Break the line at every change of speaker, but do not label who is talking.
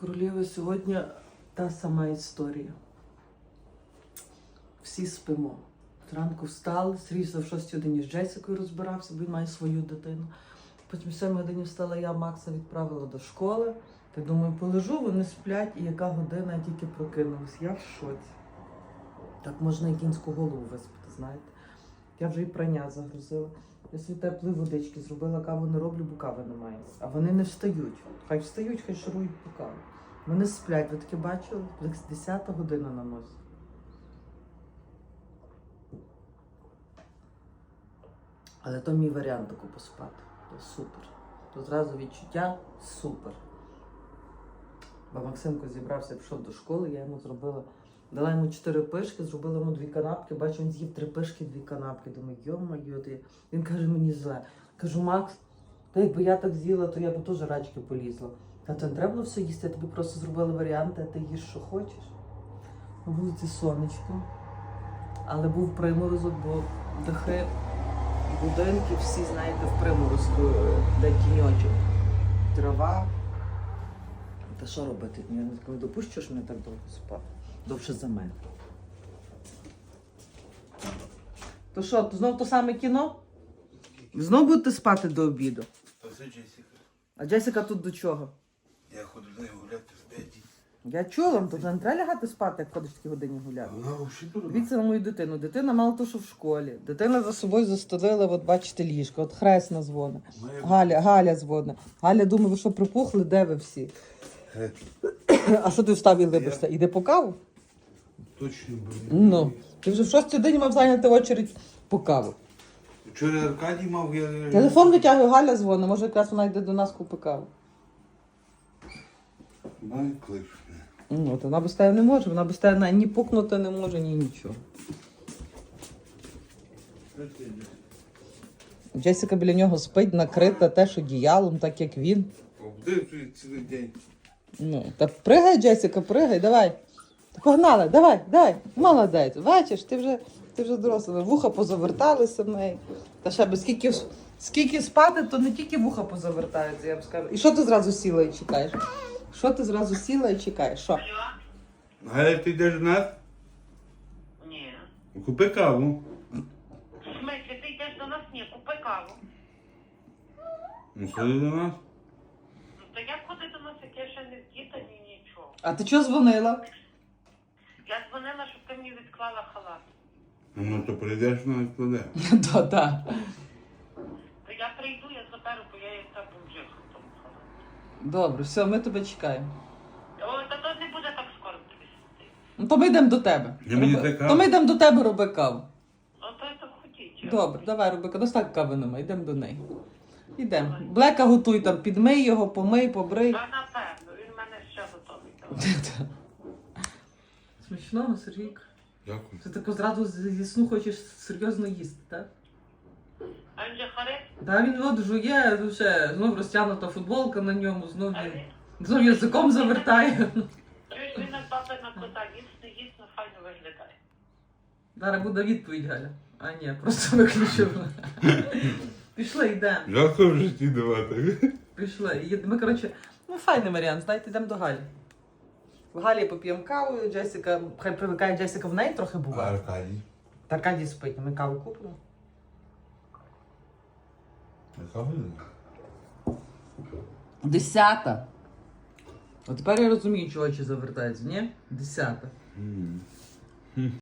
Королєви, сьогодні та сама історія. Всі спимо. Зранку встали, Сергій в 6 годині з Джесикою розбирався, бо він має свою дитину. Потім в 7 годині встала я, Макса відправила до школи. Так думаю, полежу, вони сплять, і яка година, я тільки прокинулась. Я в шоці. Так можна і кінську голову виспати, знаєте. Я вже і прання загрузила. Я собі теплої водички зробила, каву не роблю, бо кави немає. А вони не встають. Хай встають, хай шарують по каву. Вони сплять, ви таке бачили? 10-та година на носі. Але то мій варіант таку поспати. То супер. То зразу відчуття супер. Бо Максимко зібрався, пішов до школи, я йому зробила, дала йому 4 пишки, зробила йому 2 канапки, бачу, він з'їв 3 пишки, 2 канапки. Думаю, йо-моє, він каже, мені зле. Кажу, Макс, та якби я так з'їла, то я б теж рачки полізла. Та то не треба було все їсти, я тобі просто зробила варіанти, а ти їш, що хочеш. На вулиці сонечко, але був приморозок, бо дахи, будинки, всі, знаєте, в приморозку, де тіньочок, трава. Та що робити? Я не допущу, що мене так довго спати. Довше за мене. То що, знов то саме кіно? Знов будете спати до обіду?
Та це Джесіка.
А Джесіка тут до чого?
Я ходжу з нею гуляти в 5.
Я чула, то вже не треба лягати спати, як ходиш в такі годині гуляти.
Вона взагалі дурна.
Дивіться на мою дитину. Дитина мало того, що в школі. Дитина за собою застелила, от бачите, ліжко. От Хресна дзвонить. Галя дзвонить. Галя думає, ви що припухли, де ви всі? А що ти встав і либишся? Іди по каву?
Точно,
Ну, ти вже в 6 годині мав зайняти очередь по каву.
Вчора Аркадій мав, я...
Телефон витягує, Галя дзвонить, може якраз вона йде до нас купи каву.
Має клиш.
Ну, то вона без тебе не може, вона без тебе ні пукнути не може, ні нічого. Джесіка біля нього спить, накрита теж одіялом, так як він.
Обдивчує цілий день.
Ну, та пригай, Джесіка, пригай, давай. Та погнали, давай, молодець. Бачиш, ти вже доросла. Вуха позаверталися в неї. Та ще би скільки спати, то не тільки вуха позавертаються, я б скажу. І що ти зразу сіла і чекаєш? Що?
Галя, ти йдеш до нас?
Ні.
Купи каву.
В смислі, ти йдеш до нас? Ні, купи каву.
Ну, ходи до нас.
Ну, то як ходи до нас, як я ще не вдіта, ні нічого.
А ти чого дзвонила?
Я дзвонила, щоб ти мені відклала халат.
Ну, то прийдеш, вона відкладе.
Так.
То я прийду, я заберу, бо я і так вже в тому халаті.
Добре, все, ми тебе чекаємо.
Ой, та то не буде так скоро тобі сидіти.
Ну, то ми йдемо до тебе.
Я мені це каву.
То ми йдемо до тебе, роби каву.
Ну, то я так хотіть.
Добре, давай, роби каву. Так кави немає, йдемо до неї. Йдемо. Блека готуй там, підмий його, помий, побрий.
Та напевно, він в мене ще готовий. Давай.
Смачного, Сергійка.
Дякую.
Ти тако зразу зі сну хочеш серйозно їсти, так?
А він же харит?
Та він от жує, вже знов розтягнута футболка на ньому, знов
А
він
він?
знов язиком завертає.
Чуєш, він як баба на кота, їсть, файно виглядає.
Зараз буде відповідь, Галя. А ні, просто виключив. Пішли, йдемо.
Жалко в житті давати.
Пішли. Ми, коротше, файний варіант, знаєте, йдемо до Галі. В Галі поп'ємо каву, Джесіка, хай привикає, Джесіка в неї трохи
А
буває.
Аркадій?
Та Аркадій спить, ми каву купимо.
Яка година?
10-та. От тепер я розумію, чого очі завертаються, ні? 10-та.